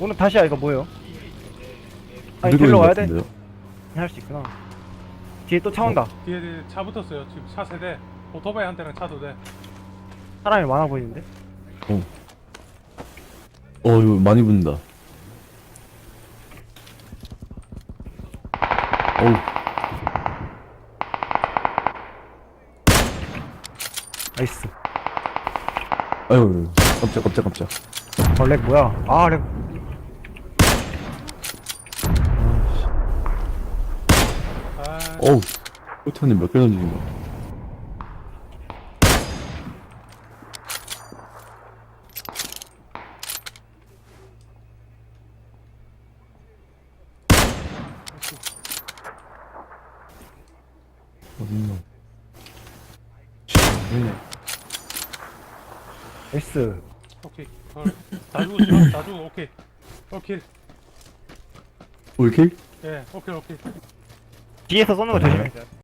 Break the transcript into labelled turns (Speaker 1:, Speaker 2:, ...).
Speaker 1: 오늘 다시야 이거 뭐예요? 아니
Speaker 2: 들고
Speaker 1: 들러
Speaker 2: 있는 것
Speaker 1: 와야 돼?
Speaker 2: 같은데요?
Speaker 1: 할 수 있구나. 뒤에 또 차 온다.
Speaker 3: 뒤에 차 붙었어요. 지금 차 세대. 오토바이 한 대랑 차도 돼.
Speaker 1: 사람이 많아 보이는데?
Speaker 2: 이거 많이 붙는다. 어우,
Speaker 1: 나이스.
Speaker 2: 아유, 깜짝.
Speaker 1: 렉 뭐야? 아 렉.
Speaker 3: 아,
Speaker 2: 어우, 포탄이 몇 개 던지는 거야? 어딨나?
Speaker 1: 나이스.
Speaker 3: 오케이. 다 죽었죠? 다 죽어. 오케이. 오케이.
Speaker 2: 올킬?
Speaker 3: 예, 오케이.
Speaker 1: 뒤에서 쏘는 거 조심해.